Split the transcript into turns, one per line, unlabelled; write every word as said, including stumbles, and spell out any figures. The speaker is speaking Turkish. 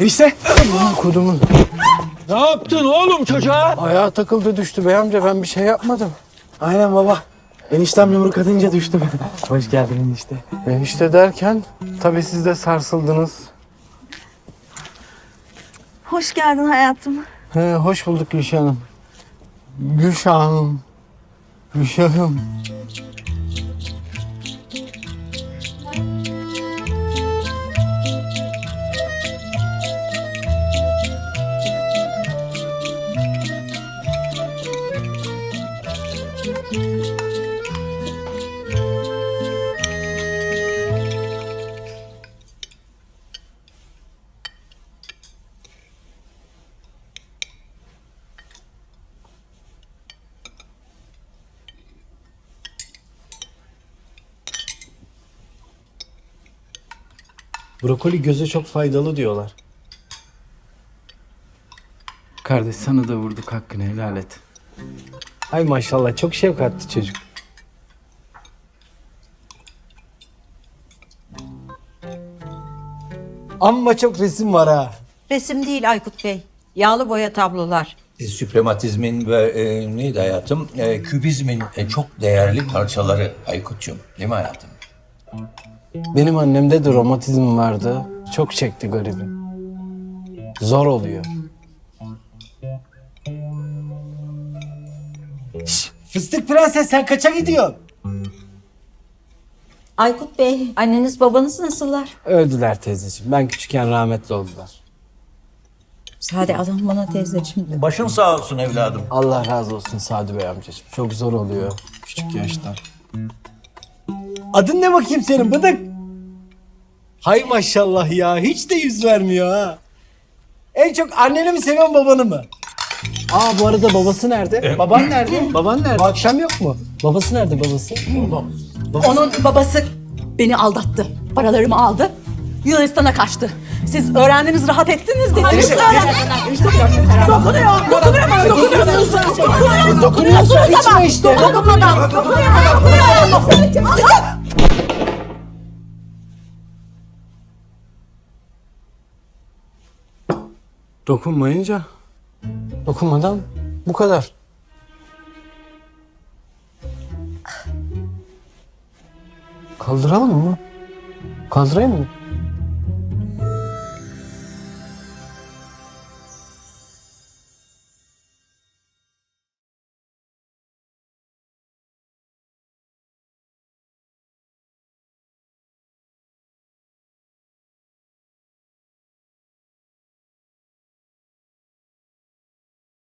Enişte. Kudumun.
Ne yaptın oğlum çocuğa?
Ayağa takıldı düştü bey amca, ben bir şey yapmadım.
Aynen baba. Eniştem yumruk atınca düştüm. Hoş geldin enişte.
Enişte derken tabii siz de sarsıldınız.
Hoş geldin hayatım.
He, hoş bulduk Gülşah'ım. Gülşah'ım. Gülşah'ım.
Brokoli göze çok faydalı diyorlar.
Kardeş sana da vurduk, hakkını helal et. Ay maşallah, çok şefkatli çocuk.
Amma çok resim var ha.
Resim değil Aykut Bey. Yağlı boya tablolar.
E, Süprematizmin ve e, neydi hayatım? E, kübizmin e, çok değerli parçaları Aykut'cum. Değil mi hayatım?
Benim annemde de romatizm vardı. Çok çekti garibim. Zor oluyor.
Şş, fıstık prenses sen kaça gidiyorsun?
Aykut Bey, anneniz babanız nasıllar?
Öldüler teyzeciğim. Ben küçükken rahmetli oldular.
Sade adam bana teyzeciğim de.
Başın sağ olsun evladım.
Allah razı olsun Sadi Bey amcacığım. Çok zor oluyor küçük yaşta.
Adın ne bakayım senin bıdık? Hay maşallah ya, hiç de yüz vermiyor ha. En çok anneni mi seviyorsun babanı mı?
Aa bu arada babası nerede? Baban nerede? Baban nerede? Akşam yok mu? Babası nerede babası?
Onun babası beni aldattı. Paralarımı aldı. Yunanistan'a kaçtı. Siz öğrendiniz, rahat ettiniz mi? Dokunuyor. Dokunuyor bana, dokunuyorsunuz. Dokunuyorsunuz. Dokunuyorsunuz ama.
işte.
Dokunmadan. Dokunuyor.
Dokunmayınca, dokunmadan bu kadar. Kaldıralım mı? Kaldırayım mı?